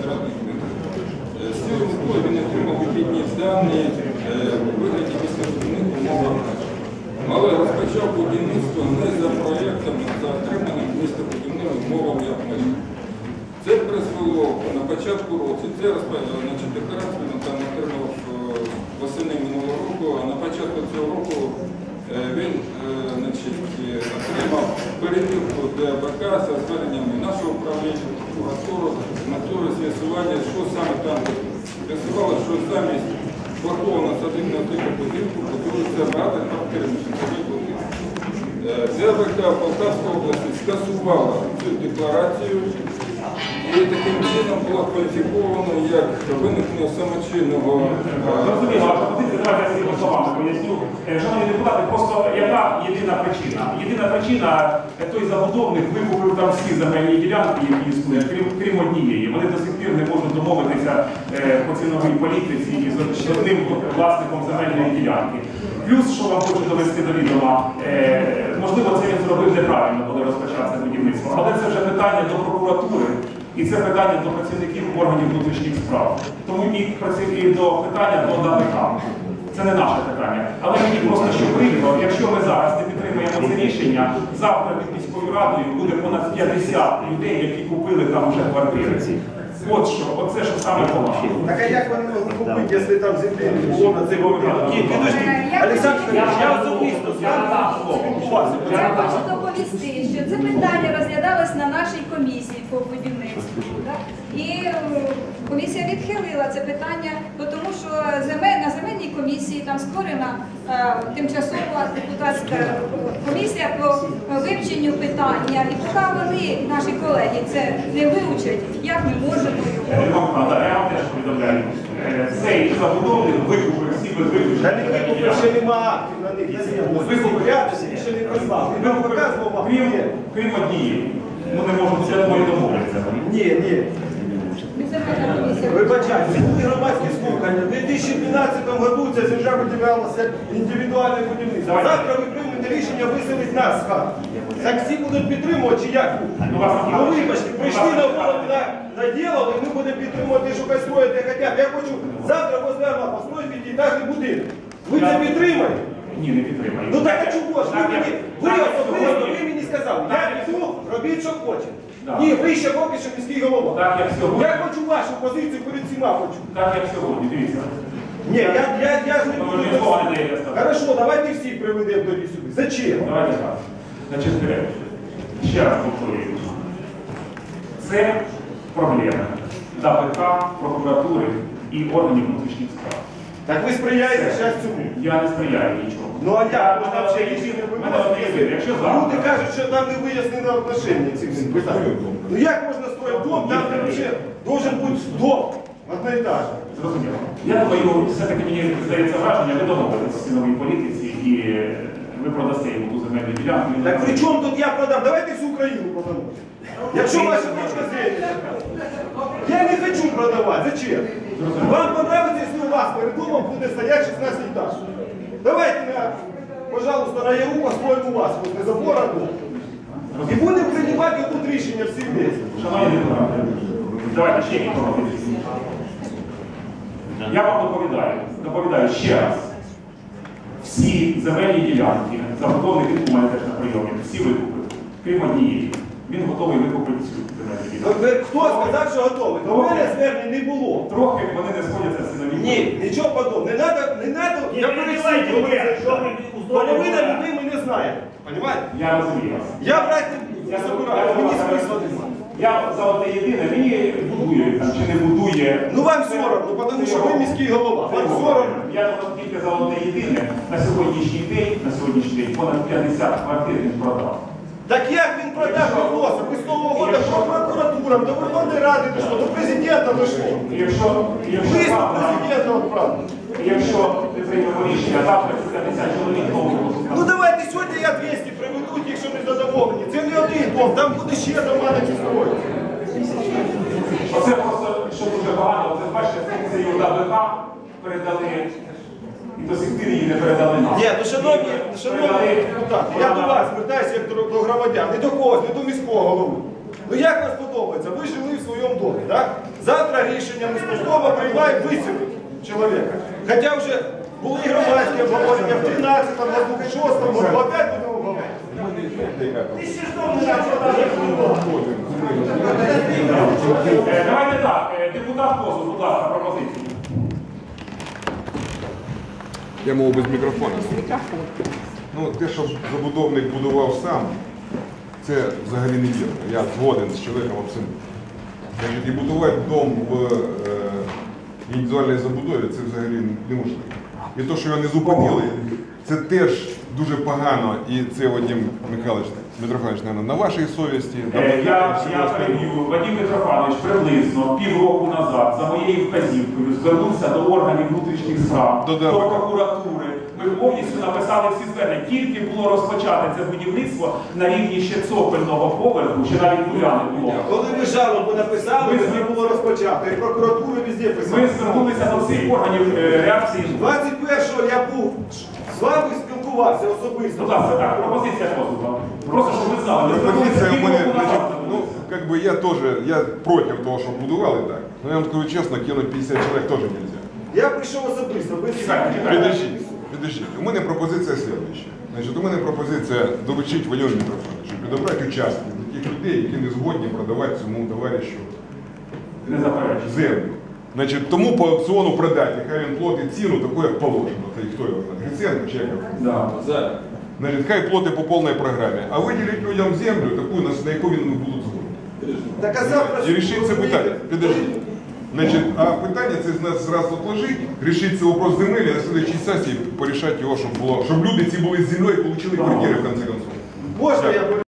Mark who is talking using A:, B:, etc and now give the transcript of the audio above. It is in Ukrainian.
A: квадратних метрів. З цього метою він отримав вихідні дані у вигляді містобудівних умов. Але розпочав будівництво не за проєктом, а за отриманим містобудівними умовами як межі. Це призвело на початку року, це декларацію він там отримав восени минулого року, а на початку цього року він отримав перевірку ДБК за зверненнями нашого управління, прокуратури, з метою з'ясування, що саме там з'ясувало, що замість блоковано садибного типу будинку будується рада та керівничний будинок. ДБК Полтавської області скасувала цю декларацію і таким чином було кваліфіковано як виникнення самочинного...
B: Зрозуміло, ваша позиція, давайте я своїми словами поясню. Шановні депутати, просто яка єдина причина? Єдина причина, той забудовник викупив там всі земельні ділянки, які існують, крім однієї. Вони до сих пір не можуть домовитися по ціновій політиці із одним власником земельної ділянки. Плюс, що вам хочу довести до відома, можливо, це він зробив неправильно, коли розпочався будівництво, але це вже питання до прокуратури. І це питання до працівників органів внутрішніх справ. Тому і до питання до ДБК. Це не наше питання. Але мені просто що прикро, якщо ми зараз не підтримуємо це рішення, завтра під міською радою буде понад 50 людей, які купили там вже квартири. От що, оце що саме погано.
C: Так а як вони можуть купити, якщо там землі не було на цей момент? Олександр Федорович, я особисто
D: Я хочу доповісти, що це питання розглядалось на нашій комісії по будівництву. І комісія відхилила це питання, тому що на земельній комісії там створена тимчасова депутатська комісія по вивченню питання. І поки вони, наші колеги, це не вивчать, як ми можемо його...
B: Я вам теж повідомляю. Цей забудовник викупив всі без виключення.
C: ще нема на них. Викупив ще не прислав.
B: Крім однієї. Ми не можемо це домовитися.
C: Ні. Вибачайте, були громадські слухання. У 2012 році ця земля виділялася індивідуальне будівництво. Завтра ви приймете рішення виселити нас з хати. Так всі будуть підтримувати, чи як? Ну вибачте, прийшли на голову, наділили, і ми будемо підтримувати, що хай строїть, де хочуть. Я хочу завтра возле Орла построїти п'ятиэтажний будинок. Ви це підтримаєте?
B: Ні, не підтримаю.
C: Ну так а чого ж? Ви особисто, ви мені сказали, я цю робіть, що хочете. Ні, ви ще поки що міський голова.
B: Так, як сьогодні.
C: Я хочу вашу позицію перед всіма хочу.
B: Так, як сьогодні, дивіться.
C: Ні, я ж не буду. Хорошо, давайте всіх приведемо тоді сюди. Зачем?
B: Давайте так. Значить, ще раз повторюю. Це проблема ДБК, прокуратури і органів внутрішніх справ.
C: Так ви сприяєте зараз цьому?
B: Я не сприяю нічого.
C: Ну а як? Можна взагалі рішення виносити. Люди кажуть, що там не вияснено отношення цих всіх питань. Ну як можна строїти дом, там взагалі должен бути дом одноетажний?
B: Зрозуміло. Я думаю, все-таки мені здається враження, ви домовились в ціновій політиці і ви продасте йому ту земельну ділянку.
C: Так при чому тут я продам? Давайте всю Україну продамо. Якщо ваша точка зрення. Я не хочу продавати. Зачем? Вам подобається, якщо у вас перед домом буде стоять 16 етаж. Давайте, пожалуйста, на Яру построим у вас возле забора дом. І будемо приймати тут рішення всі вместе.
B: Шановні депутати, давайте ще якісь пропозиції. Я вам доповідаю ще раз. Всі земельні ділянки, забудовник у мене теж на прийомі, всі викупили, крім однієї. Він готовий викупити цю земельну ділянку.
C: Хто сказав, що готовий? До мене звернень не було.
B: Трохи вони не сходяться з цінові.
C: Ні, нічого подобного. Не треба, я пересадю, половина людей ми не знаємо. Понимаєте?
B: Я розумію вас.
C: Я брати не забираю, мені смисла немає.
B: Я за одне єдине, мені будує там, чи не будує.
C: Ну вам соромно, тому що ви міський голова. Вам соромно.
B: Я тільки за одне єдине, на сьогоднішній день, понад 50 квартир він продав.
C: Так як він продав вопроси? Ви з Нового года по прокуратурам, до Верховної Ради дійшло, до президента дійшло.
B: Якщо
C: президента відправили.
B: Якщо не приймемо рішення, завтра 50 чоловік нового.
C: Ну давайте сьогодні я 200 приведу, якщо не задоволені. Це не один дом, там буде ще дома на строїти.
B: Оце просто, що дуже багато, це бачите, функцію ДБК передали, і до сих пір її не передали нам.
C: Ні, ну шановні депутати, я до вас звертаюся як до громадян, не до когось, не до міського голови. Ну як вам подобається? Ви жили в своєму домі, так? Завтра завтра рішення ми спустково приймаємо виселити чоловіка. Хоча вже були і громадські обговорення в 13-му году, в 6-му году, опять будемо обговорити. Ти ще ж дом не
B: Давайте так, депутат Козов, будь ласка, пропозиції.
E: Я мову без мікрофона. Ну, те, що забудовник будував сам, це взагалі не вірно. Я згоден з чоловіком абсолютно. Значить, і будувати дом в індивідуальній забудові, це взагалі неможливо. І те, що його не зупинили, це теж дуже погано. І це Вадим Михайлович, Митрофанович, на вашій совісті.
B: Я переб'ю. Вадим Митрофанович приблизно півроку назад за моєю вказівкою звернувся до органів внутрішніх справ, до прокуратури. Ми повністю написали всі звернення. Тільки було розпочати це будівництво на рівні ще цокольного поверху, ще навіть нуля не було.
C: Коли ви жалобу написали, не було розпочато. І прокуратура везде писала.
B: Ми звернулися до всіх органів реакції.
C: 21-го я був з вами спілкувався особисто.
B: Будь ласка, так, пропозиція Козова. Просто, щоб ви знали. Ми
E: Пропозиція у мене,
B: звернулися
E: значить,
B: півроку
E: ну,
B: назад.
E: как бы я тоже, я против того, чтобы будували так. Но я вам скажу честно, кинуть 50 человек тоже нельзя.
C: Я прийшов особисто, без
E: Підождіть. У мене пропозиція слідуюча. Значить, у мене пропозиція доручити Вадиму Митрофановичу, підобрати участки для тих людей, які не згодні продавати цьому товаришу
B: Не заперечую.
E: землю. Значить, тому по аукціону продати, хай він платить ціну таку, як положено. Та й хто його знає? Гриценко чи як його?
B: Да.
E: Значить, хай платить по повній програмі. А виділить людям землю, таку, на яку він не будуть згодні.
C: Так, а завтра
E: І рішить це питання. Підождіть. Значить, а питання це з нас зразу отложить, рішить цей вопрос земель, а на следующій сесії порішати його, щоб люди ці були з землею і отримали квартири в конце концов.
C: Можна я